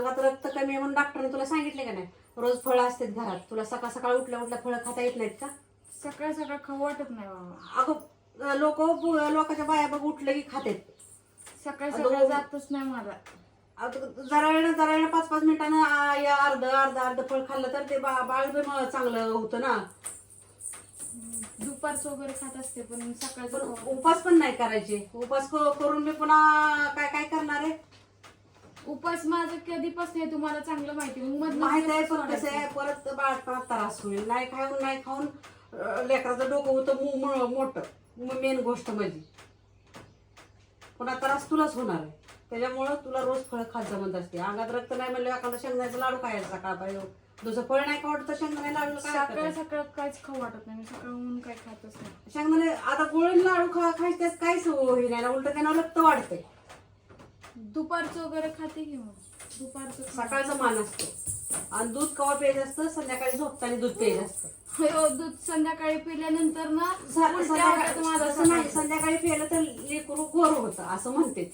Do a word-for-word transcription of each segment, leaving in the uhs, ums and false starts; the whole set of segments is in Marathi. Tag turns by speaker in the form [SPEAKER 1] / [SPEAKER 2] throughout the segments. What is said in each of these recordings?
[SPEAKER 1] अंगात रक्त कमी आहे म्हणून डॉक्टरने तुला सांगितले का नाही रोज फळं असतात घरात. तुला सकाळ सकाळ उठल्या उठल्या फळं खाता येत नाहीत का?
[SPEAKER 2] सकाळ सकाळ खाऊ वाटत नाही बाबा.
[SPEAKER 1] अगं लोक लोकांच्या बाया बघ उठलं की खातात.
[SPEAKER 2] सकाळ सकाळ जातच नाही मला.
[SPEAKER 1] जरा वेळ जरा वेळ पाच पाच मिनिटानं अर्ध अर्ध अर्ध फळ खाल्लं तर ते बा बाळ पण चांगलं होतं ना.
[SPEAKER 2] दुपारचं वगैरे खात असते पण सकाळचं
[SPEAKER 1] उपास पण नाही करायचे. उपास करून मी पुन्हा काय काय करणार आहे.
[SPEAKER 2] उपास माझं कधीपासून आहे तुम्हाला चांगलं माहिती.
[SPEAKER 1] माहित आहे पण कसं आहे परत बाळपणात त्रास होईल. नाही खाऊन नाही खाऊन लेकराचं डोकं होतं मोठं मेन गोष्ट म्हणजे पुन्हा त्रास तुलाच होणार आहे. त्याच्यामुळं तुला रोज फळ खात जमत असते. अंगात रक्त नाही म्हणलं एखादा शेंगदाण्याचा लाडू खायचा सकाळ दुसरं फळ नाही खावत तर शेंगदाणे लाडू
[SPEAKER 2] सकाळ सकाळ काहीच खाऊ वाटत नाही. सकाळहून काय खातच नाही.
[SPEAKER 1] शेंगदाणे आता गोळी लाडू खा खायचे त्यात काहीच होई नाही उलट त्यांना रक्त वाढतंय.
[SPEAKER 2] दुपारचं वगैरे खाते की मग दुपारचं
[SPEAKER 1] सकाळचं मान असतो आणि दूध कवा प्यायचं असतं संध्याकाळी झोपताना दूध प्यायचं असतं.
[SPEAKER 2] दूध संध्याकाळी पिल्यानंतर ना
[SPEAKER 1] माझं नाही संध्याकाळी पिलं तर लेकरू गोर होतं असं म्हणते.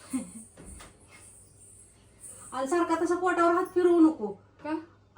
[SPEAKER 1] आणि सारखा तसं पोटावर हात फिरवू नको
[SPEAKER 2] का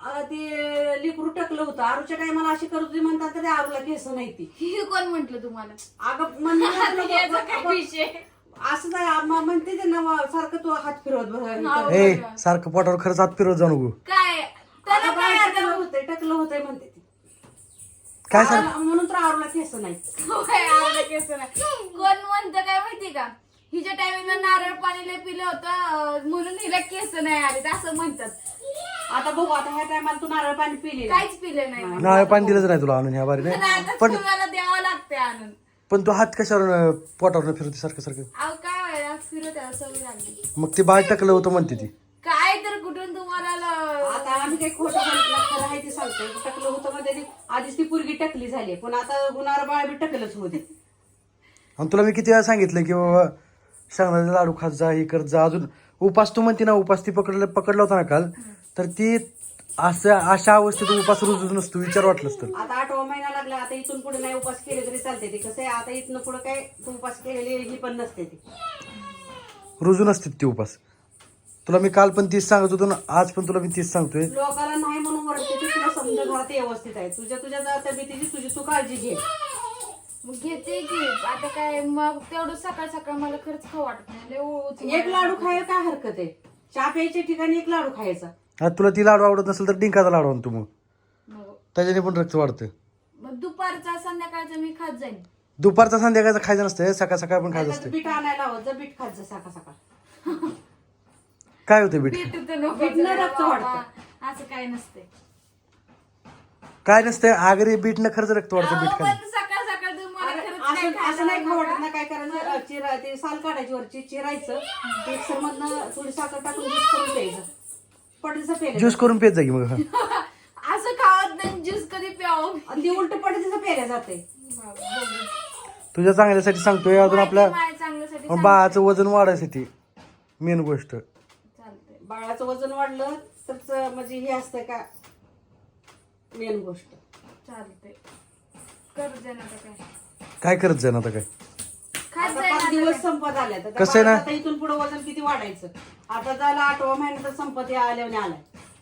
[SPEAKER 1] ते लेकरू टकलं होतं. आरूच्या टायमाला अशी करत होती म्हणतात तरी आरूला केस नाही ती.
[SPEAKER 2] कोण म्हंटल तुम्हाला?
[SPEAKER 1] अगं म्हणजे असं म्हणते ते ना सारखं तू हात फिरवत
[SPEAKER 3] ए सारखं पोटावर खरंच हात फिरवत जाऊ नको.
[SPEAKER 2] काय
[SPEAKER 1] टकलं होतंय टकलं होतंय म्हणते ती.
[SPEAKER 3] काय सांग
[SPEAKER 1] म्हणून तर आरूला केस नाही.
[SPEAKER 2] केस नाही कोण म्हणतं काय माहिती का? हिच्या टायमिंगला नारळ पाणी लय पिलं होतं म्हणून हिला केस नाही आले असं म्हणतात.
[SPEAKER 1] आता बघू आता ह्या टायमाला तू नारळ पाणी पिले
[SPEAKER 2] काहीच पिलं नाही.
[SPEAKER 3] नारळ पाणी दिलंच नाही तुला आणून ह्या बारीने.
[SPEAKER 2] पण द्यावं लागते आणून.
[SPEAKER 3] पण तू हात कशावर पोटावर फिरवते सारखं सारखं?
[SPEAKER 2] अहो काय व्हायला फिरत सवय लागली.
[SPEAKER 3] मग ते बाळ टकलं होतं म्हणते ती.
[SPEAKER 2] काय तर कुठून तुम्हाला
[SPEAKER 1] आता आम्ही काही खोटं सांगितलं खरं आहे ते सांगतोय. टकलं होतं म्हणजे आधीच ती पोरगी टकली झाली पण आता गुन्हार बाळ बी टकलच होते.
[SPEAKER 3] आणि तुला मी किती वेळा सांगितलं की बाबा शेंगदाण्याचा लाडू खात जा हे करत जा. अजून उपास तू म्हणते ना उपास ती पकडलं पकडला होता ना काल तर ती असं अशा अवस्थेत उपास रुजूच नसतो. विचार वाटलंच तर
[SPEAKER 1] आता आठवा महिना लागला. आता इथून पुढे नाही उपास केले तरी चालते. ते कसं आहे आता इथून पुढे काय तू उपास केलेली ही पण नसते ती
[SPEAKER 3] रुजू नसते ती उपास. तुला मी काल पण तीच सांगत होतो ना आज पण तुला मी तीच सांगतोय.
[SPEAKER 1] लोकांना नाही म्हणून वरते ते तुला समजा घरात व्यवस्थित आहे. तुझ्या तुझ्या तब्येतीची तुझी तू काळजी घे.
[SPEAKER 2] मग घेते की आता काय मग तेवढं सकाळ सकाळ मला खरंच खाऊ वाटत नाही.
[SPEAKER 1] एक लाडू खायला काय हरकत आहे. चहा प्यायच्या ठिकाणी एक लाडू खायचा.
[SPEAKER 3] आता तुला ती लाडू आवडत नसेल तर डिंकाचा लाडू आणतो मग त्याच्याने पण रक्त वाढतं.
[SPEAKER 2] मग दुपारचा संध्याकाळचा मी खात जाईन.
[SPEAKER 3] दुपारचा संध्याकाळचं खायचं नसतं सकाळ सकाळ पण खायचं असतं.
[SPEAKER 1] बीट आणायला हवं जर बीट खात जा सकाळ सकाळ.
[SPEAKER 3] काय होतं बीट?
[SPEAKER 1] रक्त वाढतं.
[SPEAKER 2] असं काय नसते.
[SPEAKER 3] काय नसतं आगरी बीटनं खरंच रक्त वाढतं. बीट खायचं
[SPEAKER 2] सकाळ सकाळ
[SPEAKER 1] असं नाही खाऊ वाटत ना. काय करायचं चिरा ते साल काढायची वरची चिरायचं मिक्सर मधनं थोडी साखर टाकून ज्यूस करून प्यायचं. पडीचा प्यायला
[SPEAKER 3] ज्यूस करून पेत जा की मग.
[SPEAKER 2] असं खावत नाही ज्यूस कधी प्यावं.
[SPEAKER 1] ती उलट पडीचं प्यायला जाते.
[SPEAKER 3] तुझ्या चांगल्यासाठी सांगतोय. अजून आपल्या
[SPEAKER 2] चांगल्यासाठी
[SPEAKER 3] बाळाचं वजन वाढायसाठी मेन गोष्ट.
[SPEAKER 2] चालतंय.
[SPEAKER 1] बाळाचं वजन वाढलं तर म्हणजे हे असतं का मेन गोष्ट.
[SPEAKER 2] चालतंय कर जाणार काय
[SPEAKER 3] काय करत जाईन आता काय.
[SPEAKER 1] आता पाच दिवस संपत आल्या तर
[SPEAKER 3] कसं आहे ना?
[SPEAKER 1] आता इथून पुढे वजन किती वाढायचं. आता झाला आठवा महिना तर संपत आल्याने आलाय.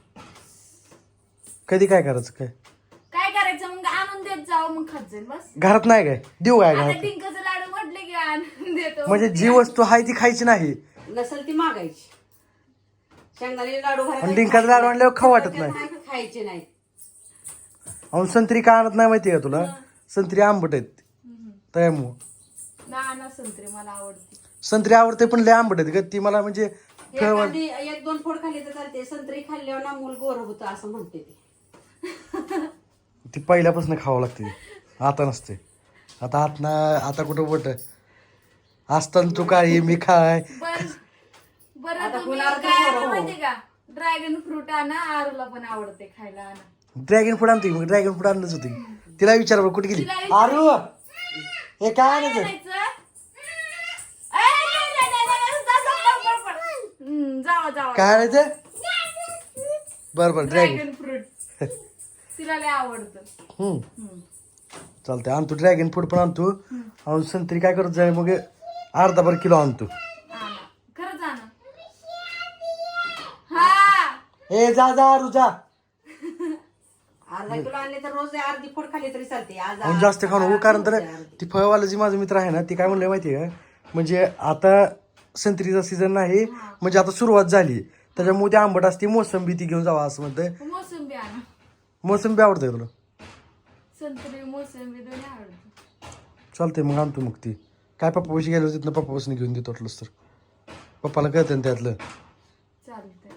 [SPEAKER 3] कधी काय करायचं काय
[SPEAKER 2] काय करायचं मग आणून देत जावं मग खात जाईल बस.
[SPEAKER 3] घरात नाही काय देऊ काय
[SPEAKER 2] आता
[SPEAKER 3] घरात?
[SPEAKER 2] डिंकाचं लाडू म्हटले की आणून देतो.
[SPEAKER 3] म्हणजे जी वस्तू आहे ती खायची नाही.
[SPEAKER 1] नसेल ती मागायची. शेंगदाणे लाडू
[SPEAKER 3] आणि डिंकाचं लाडू आणल्यावर खाऊ वाटत नाही.
[SPEAKER 1] खायचे नाही.
[SPEAKER 3] अहो संत्री का आणत नाही माहितीये का तुला? संत्री आंबट आहेत त्यामुळं.
[SPEAKER 2] ना संत्री मला आवडते.
[SPEAKER 3] संत्री आवडते पण लय आंबट आहेत ग ती मला म्हणजे
[SPEAKER 1] एखादी एक दोन फोड खाल्ली तर चालते. संत्री खाल्ल्यावर ना मूल गोर होतं असं म्हणते ती.
[SPEAKER 3] ती पहिल्यापासून खावं लागते. आता नसते. आता आत ना आता कुठं बोट असताना तू काय मी खाय.
[SPEAKER 2] बरं तुम्ही काय आणलं माहिती का? ड्रॅगन फ्रूट आणा. आरूला पण आवडते खायला. आणा
[SPEAKER 3] ड्रॅगन फ्रूट आणते मग ड्रॅगन फ्रूट आणलंच होती. तिला विचार बरं कुठे गेली आरू हे काय आणायचं.
[SPEAKER 2] जावा जावा
[SPEAKER 3] काय आणायचं बरं बरं ड्रॅगन
[SPEAKER 2] ड्रॅगन फ्रूट तिला लय आवडतं.
[SPEAKER 3] हम्म चालतंय आणतो ड्रॅगन फ्रूट पण आणतो. आणि संत्री काय करत जाय मग अर्धा भर किलो आणतो.
[SPEAKER 2] आणा खरंच आणा. हा
[SPEAKER 3] ए जा जा आरू जा.
[SPEAKER 1] अर्धा किलो आणले तर रोज अर्धी फोड खाली तरी चालते. आज
[SPEAKER 3] आणि जास्त खाऊ नको कारण तर ती फळवाला जी माझा मित्र आहे ना ती काय म्हणलं माहितीये का म्हणजे आता संत्रीचा सीझन नाही म्हणजे आता सुरुवात झाली त्याच्यामुळे ते आंबट असते मोसंबी ती घेऊन जावा असं म्हणतंय.
[SPEAKER 2] मोसंबी आणा.
[SPEAKER 3] मोसंबी आवडते तुला?
[SPEAKER 2] संत्री मोसंबी दोन्ही आवडते.
[SPEAKER 3] चालतंय मग आणतो मग ती काय पप्पापाशी गेलो तिथनं पप्पापासून घेऊन देतो वाटलंच तर पप्पाला कळतं ना त्यातलं.
[SPEAKER 2] चालतंय.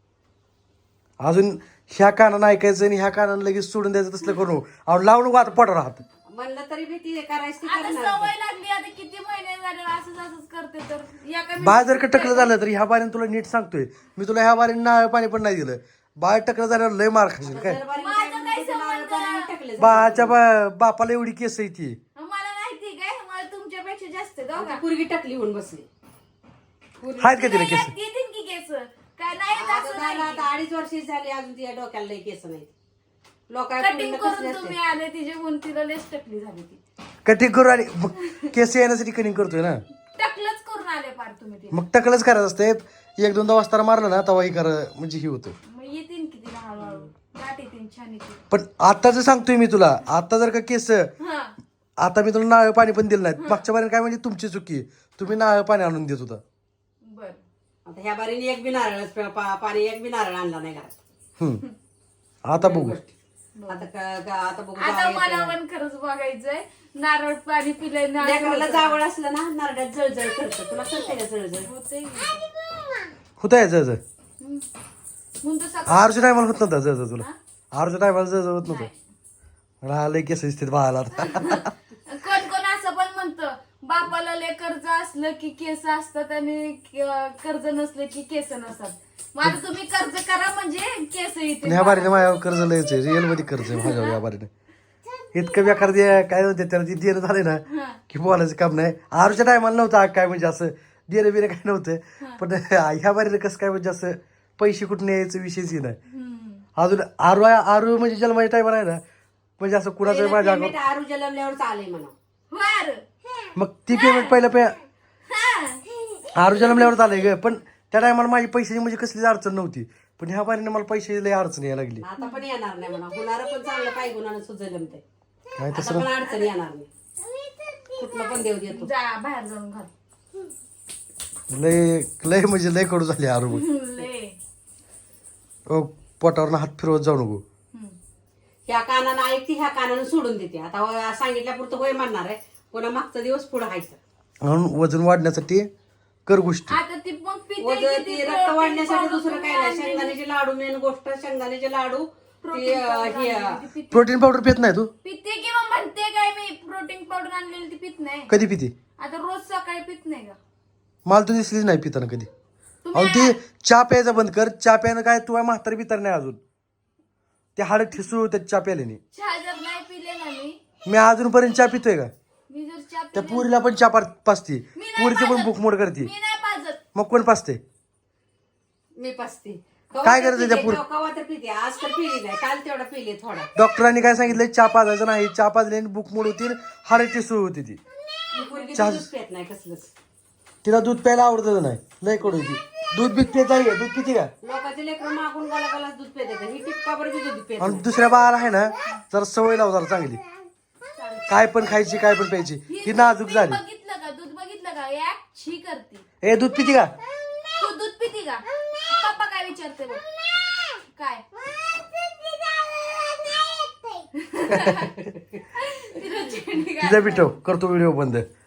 [SPEAKER 3] अजून ह्या कानानं ऐकायचं आणि ह्या कानानं लगेच सोडून द्यायचं तसलं करू अहो लावू नको आता पोटावर राहत.
[SPEAKER 1] म्हणलं तरी भीती करायची
[SPEAKER 2] आता
[SPEAKER 1] करणार.
[SPEAKER 2] सवय लागली आता किती महिने झाले असंच असंच करते तर एका
[SPEAKER 3] बाळ जर का टकलं झालं तर ह्या बारीने तुला नीट सांगतोय मी तुला ह्या बारीने नारळ पाणी पण नाही दिलं. बाळ टकलं झाल्यावर लय मार खाशील काय.
[SPEAKER 1] दरबारी
[SPEAKER 2] माझं
[SPEAKER 1] काय
[SPEAKER 2] काय
[SPEAKER 1] म्हणते, नारळ पाणी टाकले जाते.
[SPEAKER 3] बाळाच्या बा बापाला एवढी केस आहे ती.
[SPEAKER 2] मला माहिती काय मला तुमच्यापेक्षा जास्त आहे, दोघा.
[SPEAKER 1] पोरगी टाकली होऊन बसली.
[SPEAKER 3] आहेत का तिला केस?
[SPEAKER 2] येतील की केस काय नाही येत
[SPEAKER 1] आता
[SPEAKER 2] असं
[SPEAKER 1] झालं,
[SPEAKER 2] नाही.
[SPEAKER 1] आता अडीच वर्ष झाली अजून तिच्या डोक्याला लई केस नाही.
[SPEAKER 2] कटिंग करून तुम्ही
[SPEAKER 1] लोकांना
[SPEAKER 2] आले तिचे म्हणून तिला लेस टकली झाली ती
[SPEAKER 3] कटिंग करू आणि मग केस येण्यासाठी कटिंग करतोय ना
[SPEAKER 2] टकलच करून आले पार तुम्ही तिला.
[SPEAKER 3] मग टकलच करायचं असते एक दोनदा वाजता मारलं ना तेव्हा ही कर म्हणजे ही होतं.
[SPEAKER 2] मग येतील की तिला हळूहळू गाठ येतील छान येतील.
[SPEAKER 3] पण आता जर सांगतोय मी तुला आता जर का केस
[SPEAKER 2] हा
[SPEAKER 3] आता मी तुला नारळ पाणी पण दिलं नाही मागच्या बारीने काय म्हणजे तुमची चुकी तुम्ही नारळ पाणी आणून देत होता.
[SPEAKER 2] बर
[SPEAKER 1] आता ह्या बारीने एक बी नारळ पाणी एक बी नारळ आणला नाही घरात.
[SPEAKER 3] हम्म. आता बघू
[SPEAKER 1] आता क- क- आता बघू
[SPEAKER 2] आता
[SPEAKER 1] जावं
[SPEAKER 2] मला
[SPEAKER 1] येतं.
[SPEAKER 2] पण खरंच बघायचंय नारळ पाणी पिलंय ना
[SPEAKER 1] लेकराला जावळ असलं ना नारळात जळजळ करतं. तुला करते का जळजळ?
[SPEAKER 2] होतंय
[SPEAKER 3] होतं या जळ
[SPEAKER 2] म्हणून तर सकाळ
[SPEAKER 3] आरूच्या टायमाला होत नव्हता जळ तुला आरूच्या टायमाला जळ होत नव्हतं. राहिलंय केस स्थित बाळाला आता.
[SPEAKER 2] कोण कोण असं पण म्हणतं बापाला लय कर्ज असलं की केस असतात आणि क- कर्ज नसलं की केस नसतात. माझं तुम्ही कर्ज करा म्हणजे केस
[SPEAKER 3] पण
[SPEAKER 2] येते.
[SPEAKER 3] ह्या बारीने माझ्यावर कर्ज लयच आहे रिअल मध्ये कर्ज आहे माझ्यावर या बारीने इतकं बेकार दे काय म्हणते त्याला ती देणं झाले ना की बोलायचं काम नाही. आरूच्या टायमाला नव्हतं आ- काय म्हणजे असं देणं बिणं काय नव्हतं पण ह्या बारीने कसं काय म्हणजे असं पैसे कुठून यायचं विषयच नाही. अजून आरू आरू म्हणजे जन्माच्या टायमाला आहे ना म्हणजे असं कुणाचं माझ्या
[SPEAKER 1] पेमेंट आरू जलमल्यावर चालेल म्हणा.
[SPEAKER 2] बर
[SPEAKER 3] मग ती पेमेंट पहिलं पे आरू जन्मल्यावर झालंय ग पण त्या टायमाला माझी पैशाची म्हणजे कसलीच अडचण नव्हती पण ह्या बारीने मला पैशाची लय अडचण यायला लागली.
[SPEAKER 1] आता पण येणार नाही म्हणा. होणार पण चांगलं काही गुणानं सुद्धा जमते.
[SPEAKER 3] काय
[SPEAKER 1] आता
[SPEAKER 3] तसं
[SPEAKER 1] पण अडचण येणार नाही. कुठलं पण देव देतो.
[SPEAKER 2] जा बाहेर जाऊन घाल.
[SPEAKER 3] लय लय म्हणजे लय कडू झाली आरू मग.
[SPEAKER 2] लय
[SPEAKER 3] ओ, पोटावरनं हात फिरवत जाऊ नको.
[SPEAKER 2] हम्म.
[SPEAKER 1] ह्या कानानं ऐकते ह्या कानानं सोडून देते. आता हो- सांगितल्यापुरतं होय म्हणणार आहे पुन्हा मागचा दिवस पुढे हायचं.
[SPEAKER 3] म्हणून वजन वाढण्यासाठी कर गोष्टी.
[SPEAKER 2] आता ती मग पिते
[SPEAKER 1] वजन
[SPEAKER 2] किती
[SPEAKER 1] ती रक्त
[SPEAKER 2] protein
[SPEAKER 1] वाढण्यासाठी
[SPEAKER 2] powder
[SPEAKER 1] दुसरं काय नाही. शेंगदाण्याचे लाडू मेन गोष्ट शेंगदाण्याचे लाडू ती,
[SPEAKER 2] protein
[SPEAKER 1] अं,
[SPEAKER 2] powder
[SPEAKER 1] हे,
[SPEAKER 2] आणलेली ती पिते.
[SPEAKER 3] प्रोटीन पावडर पित नाही तू?
[SPEAKER 2] पिते किंवा म्हणते काय मी प्रोटीन पावडर आणलेली ती पित नाही.
[SPEAKER 3] कधी पिते?
[SPEAKER 2] आता रोज सकाळी पित नाही का
[SPEAKER 3] मला तू दिसलीच नाही पिताना कधी.
[SPEAKER 2] तुम्ही
[SPEAKER 3] अहो ती चहा प्यायचं बंद कर. चहा प्यायनं काय तू म्हातारी पितर नाही अजून ते हाड ठिसू त्या चहा प्यायल्याने.
[SPEAKER 2] चहा जर नाही पिले ना मी
[SPEAKER 3] मी अजूनपर्यंत चहा पितोय का?
[SPEAKER 2] मी जर चहा
[SPEAKER 3] त्या
[SPEAKER 2] पिले
[SPEAKER 3] पुरीला पण चहा पा- पाजते
[SPEAKER 2] मी नाही
[SPEAKER 3] पुरीची पण
[SPEAKER 2] पाजत.
[SPEAKER 3] भूक मोड करते.
[SPEAKER 2] मी नाही पाजत.
[SPEAKER 3] मग कोण पाजते?
[SPEAKER 1] मी पसते.
[SPEAKER 3] काय करायचं त्या पुढं?
[SPEAKER 1] कवा तर पिते. आज तर पिली नाही. काल तेवढा पिले थोडा.
[SPEAKER 3] डॉक्टरांनी काय सांगितलं चहा पाजायचं नाही. चहा पाजल्याने भूक मोड होतील हाड ठिसू होती ती.
[SPEAKER 1] मी पोरगी
[SPEAKER 3] चहा-
[SPEAKER 1] दूधच पित नाही कसलंच.
[SPEAKER 3] तिला दूध प्यायला आवडतच नाही लय कडू होती. दूध बीत पित आहे दूध पिते का?
[SPEAKER 1] लोकांचे लेकरं मागून गाला गाला दूध पित ही टिपका बरं बी दूध पित
[SPEAKER 3] आणि दुसऱ्या बाळाला आहे ना जरा सवय लाव जरा चांगली काय पण खायची काय पण प्यायची. ही नाजूक
[SPEAKER 2] दूध
[SPEAKER 3] झाली.
[SPEAKER 2] बघितलं का दूध बघितलं का या छी करते.
[SPEAKER 3] ए दूध पिते का?
[SPEAKER 2] तू दूध पिती का पप्पा काय विचारते बघ काय तिला चिडली का?
[SPEAKER 3] तिचा बिटव करतो व्हिडिओ बंद.